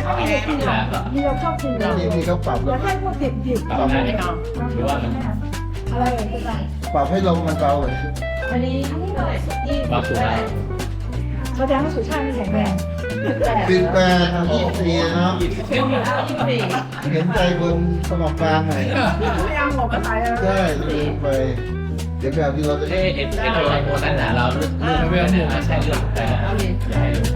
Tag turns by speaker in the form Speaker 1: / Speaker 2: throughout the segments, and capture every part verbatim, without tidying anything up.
Speaker 1: นี่เราชอบกินเรา
Speaker 2: นี่นี่เขาปรับ
Speaker 1: อย่าให้พวกดิบดิบ
Speaker 3: ปรับได้ไหมครับหรือว่ามัน
Speaker 1: อะไรก็ได้
Speaker 2: ปรับให้ลมมันเบาเลย
Speaker 1: อันนี้อันนี้เลยยี่
Speaker 3: ปรับสูงได้
Speaker 1: แสดงว่าสุชาติไม่แข็งแรง
Speaker 2: ปิดแปรทำยี่สี่เนาะ
Speaker 1: ยี่สิบสี่
Speaker 2: เห็นใจคนสมองกลางหน่อย
Speaker 1: พยายามหลบกันไปแล้ว
Speaker 2: ใช่ลืมไป เดี๋ยวแบบที่เราจะ
Speaker 3: เอ๊ะเอ็นเอ็นอะไรโมนั่นนะเราเลือกเลือกเนี่ยใช่เลือกแต่อย่าให้รู้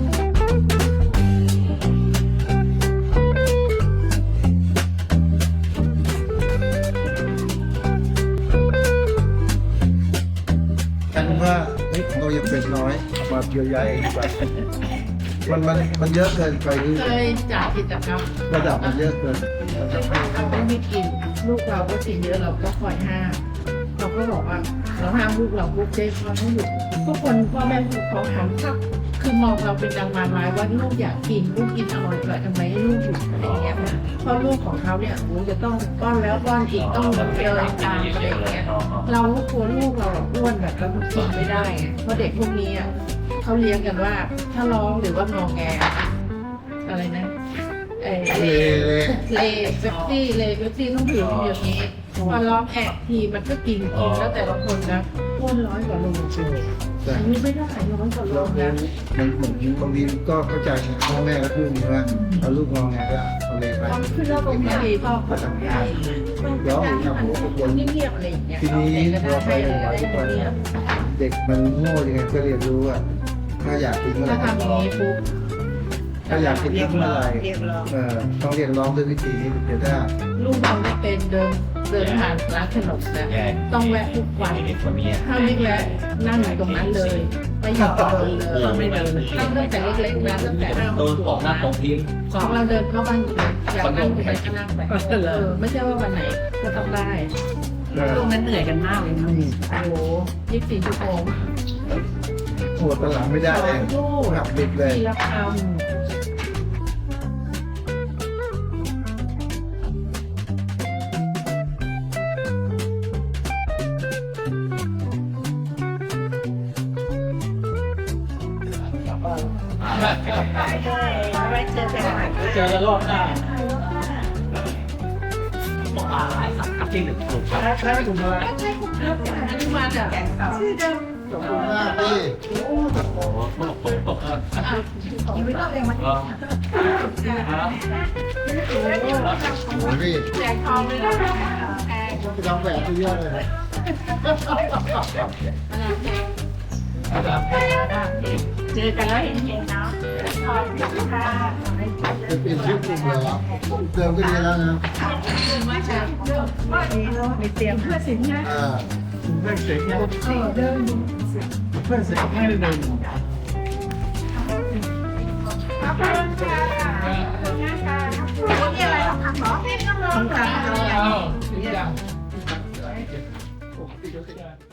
Speaker 2: กันว่าเฮ้ยเรายังเป็นน้อยเอามาเยียวยาเองดีกว่ามันมันมันเยอะเกินไปที่
Speaker 4: เคยจัดกิจกรรม
Speaker 2: ระดับมันเยอะเกิน
Speaker 4: เราก็ไม่กินลูกเราก็กินเยอะเราก็คอยห้ามเราก็บอกว่าเราห้ามลูกเราลูกเจ๊เขาไม่หยุดทุกคนพ่อแม่เขาหันทักคือมองเราเป็นดังมารร้ายว่าลูกอยากกินลูกกินอร่อยแต่ทำไมให้ลูกหยุดอะไรเงี้ยเพราะลูกของเขาเนี่ยโอ้จะต้องป้อนแล้วป้อนอีกต้องเดินตามอะไรเงี้ยเรากลัวลูกเราอ้วนแบบเรากินไม่ได้ไงเพราะเด็กพวกนี้อ่ะเขาเลี้ยงกันว่าถ้าร้องหรือว่างอแงอะไรนะเออ
Speaker 2: เละเละ
Speaker 4: เลเฟปซี่เลเฟปซี่ต้องถือมันอย่างนี้พอร้องแอะทีมันก็กินกินแล้วแต่ละคนนะอ้วนร้อยกว่าโล
Speaker 2: แต่
Speaker 4: อายุไม่ได้ร้อยกว่าโล
Speaker 2: เรา
Speaker 4: นะ
Speaker 2: มันเหมือนบางทีก็เข้าใจพ่อแม่ก็พูดอย่างนี้ว่าเอาลูกมองไงก็เอาเลยไป
Speaker 4: ความขึ้นแล้วตรงนี้พ่อเขาทำได้มันเงียบๆอะไรอย่างเงี้ย
Speaker 2: ทีนี้
Speaker 4: ก็
Speaker 2: เราไป
Speaker 4: ได้
Speaker 2: โรงพยาบาล
Speaker 4: ได้
Speaker 2: ทุก
Speaker 4: ตร
Speaker 2: วั
Speaker 4: ง
Speaker 2: น
Speaker 4: นี้
Speaker 2: เด็กมันโง่ยังไงก็เรียนรู้ว่าถ้าอยากกินเมื่อไห
Speaker 4: ถ้า
Speaker 2: ร่
Speaker 4: ทำอย่างนี้ปุ๊บ
Speaker 2: ถ้าอยากกินเมื่อไหร่เออต้องเรียกร้องด้วยวิธีนี้เดี๋ยวถ้า
Speaker 4: ลูกเราไม่เป็นเดินเดินผ่านร้านขนมนะต้องแวะทุกวัน
Speaker 3: เด็กคนนี้
Speaker 4: ถ้าไม่แวะนั่งอยู่ตรงนั้นเลยไม่ยอมเดินเลยไม่เดินตั้งแต่เล็กๆนะตั้งแต่
Speaker 3: โดนตกหน้าตรงทิ้ง
Speaker 4: ของเราเดินเข้าบ้านอยากนั่งไปก็นั่งไปเออไม่ใช่ว่าวันไหนก็ต้องได้
Speaker 2: เออ
Speaker 4: ช่วงนั้นเหนื่อยกันมากเลยนะโอ้โหยี่สิบสี่ชั่วโมง
Speaker 2: ปวดตะหลังไม่ได้เลย
Speaker 4: ลูก
Speaker 2: หักบิดเลย
Speaker 4: ทีละคำ
Speaker 3: เจอแล้วรอบหน้าบอกว่าสักที่หนึ่งถูกครับ
Speaker 2: ใช่ถูกไหม
Speaker 4: อันนี้มาจากชื่อเดิม
Speaker 2: ขอบคุณมากพี่
Speaker 3: โอ้โหตกตก
Speaker 4: ยังไม่ต้องเลยมัน
Speaker 2: โอ้โหพี่
Speaker 4: แจกทองเลยนะ
Speaker 2: ไปทำแบบที่เยอะเลย
Speaker 4: เจอกันแล้วเห็นเห็นเนาะขอบคุณค่ะ
Speaker 2: จะเปลี่ยนชื่อกลุ่มเหรอเติมก็ดีแล้วนะ
Speaker 4: มาจากว่าดีเนาะมีเตรียมเพื่อสินนะ
Speaker 2: อ่า
Speaker 5: เพื่อนเสกเนี่ย
Speaker 4: เดิน
Speaker 5: เพื่อนเสกให้ได้เดิน
Speaker 4: ขอบคุณค่ะมีอะไรทำทำหรอทำทำ
Speaker 5: อ้าวถึงยัง